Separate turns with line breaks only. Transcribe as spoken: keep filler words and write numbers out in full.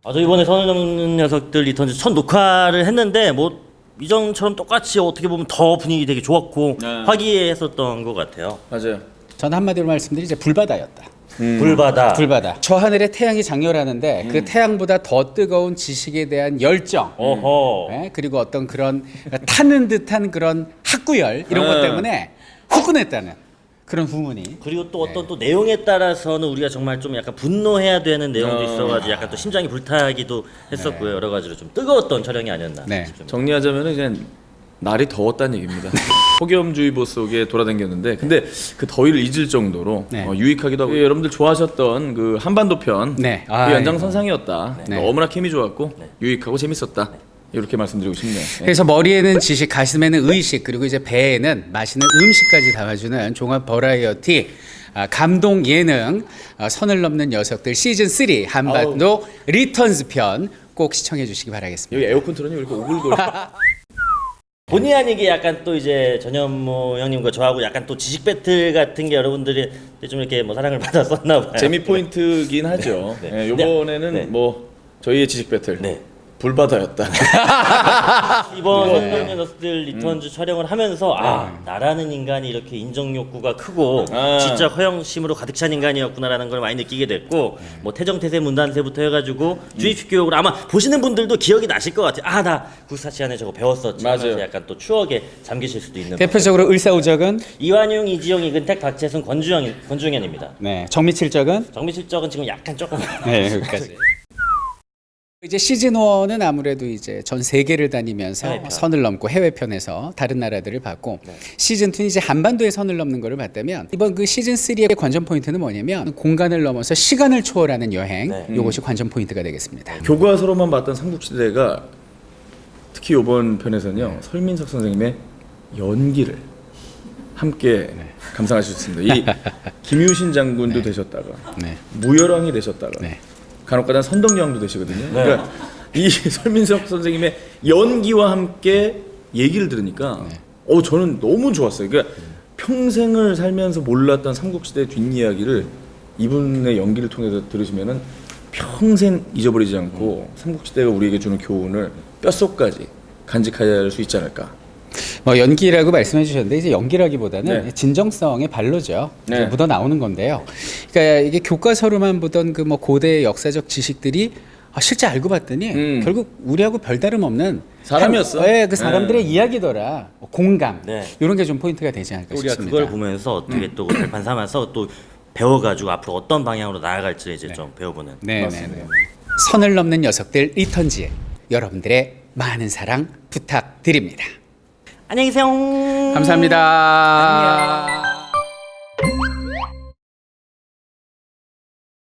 아, 저 이번에 선을 넘는 녀석들 리턴즈 첫 녹화를 했는데 뭐 이전처럼 똑같이 어떻게 보면 더 분위기 되게 좋았고
네.
화기애애했었던 것 같아요.
맞아요.
전 한마디로 말씀드리 이제 불바다였다.
음. 불바다.
불바다. 저 하늘에 태양이 장렬하는데 그 태양보다 더 뜨거운 지식에 대한 열정.
어허.
네, 그리고 어떤 그런 타는 듯한 그런 학구열 이런 것
네.
때문에 후끈했다는 그런 후문이.
그리고 또 어떤 또 내용에 따라서는 우리가 정말 좀 약간 분노해야 되는 내용도
어.
있어가지고 약간 또 심장이 불타기도 했었고요. 여러 가지로 좀 뜨거웠던 촬영이 아니었나
네.
싶습니다.
정리하자면은 그냥 날이 더웠다는 얘기입니다. 폭염주의보 속에 돌아다녔는데 근데 그 더위를 잊을 정도로
네.
어, 유익하기도 하고 예, 여러분들 좋아하셨던 그 한반도 편
네.
그
아,
연장선상이었다.
네.
너무나 케미 좋았고 유익하고 재밌었다. 이렇게 말씀드리고 싶네요. 네.
그래서 머리에는 지식, 가슴에는 의식, 그리고 이제 배에는 맛있는 음식까지 담아주는 종합 버라이어티 아, 감동 예능 아, 선을 넘는 녀석들 시즌 삼 한반도 리턴즈 편 꼭 시청해 주시기 바라겠습니다.
여기 에어컨 틀어니 왜 이렇게 오글거려?
본의 아니게 약간 또 이제 전현무 형님과 저하고 약간 또 지식 배틀 같은 게 여러분들이 좀 이렇게 뭐 사랑을 받았었나 봐요.
재미 포인트긴 하죠.
네.
네, 이번에는
네.
뭐 저희의 지식 배틀
네.
불바다였다.
이번
네.
선동의 너스들 리턴즈 촬영을 하면서 아 나라는 인간이 이렇게 인정 욕구가 크고
아.
진짜 허영심으로 가득 찬 인간이었구나라는 걸 많이 느끼게 됐고 뭐 태정태세 문단세부터 해가지고 주입식 교육을 아마 보시는 분들도 기억이 나실 것 같아요. 아 나 구사 시간에 저거 배웠었지.
맞아요.
하면서 약간 또 추억에 잠기실 수도 있는.
대표적으로 의사오적은
이완용, 이지영, 이근택, 박재승, 권주영, 권중현입니다.
네, 정미칠적은
정미실적은 지금 약간 조금
네, 여기까지. 이제 시즌 일은 아무래도 이제 전 세계를 다니면서
해외편.
선을 넘고 해외편에서 다른 나라들을 봤고 시즌 이는 이제 한반도에 선을 넘는 거를 봤다면 이번 그 시즌 삼의 관전 포인트는 뭐냐면 공간을 넘어서 시간을 초월하는 여행
네.
요것이 관전 포인트가 되겠습니다.
교과서로만 봤던 삼국시대가 특히 이번 편에서는요 설민석 선생님의 연기를 함께 감상하실 수 있습니다. 이 김유신 장군도 되셨다가
네.
무열왕이 되셨다가
네.
간혹가다 선덕여왕도 되시거든요. 그러니까 이 설민석 선생님의 연기와 함께 얘기를 들으니까 어 저는 너무 좋았어요. 그러니까 평생을 살면서 몰랐던 삼국시대 뒷이야기를 이분의 연기를 통해서 들으시면은 평생 잊어버리지 않고 삼국시대가 우리에게 주는 교훈을 뼛속까지 간직할 수 있지 않을까.
뭐 연기라고 말씀해 주셨는데 이제 연기라기보다는
네.
진정성의 발로죠.
네.
이제 묻어 나오는 건데요. 그러니까 이게 교과서로만 보던 그 뭐 고대의 역사적 지식들이 아, 실제 알고 봤더니
음.
결국 우리하고 별다름 없는
사람이었어.
한- 네, 그 사람들의
네.
이야기더라. 뭐 공감
네.
이런 게 좀 포인트가 되지 않을까
우리가
싶습니다.
그걸 보면서 어떻게 또 발판 삼아서 또 배워가지고 앞으로 어떤 방향으로 나아갈지 이제 좀 배워보는.
네, 네,
맞습니다.
네. 선을 넘는 녀석들 리턴즈 여러분들의 많은 사랑 부탁드립니다.
안녕히 계세요.
감사합니다.
안녕.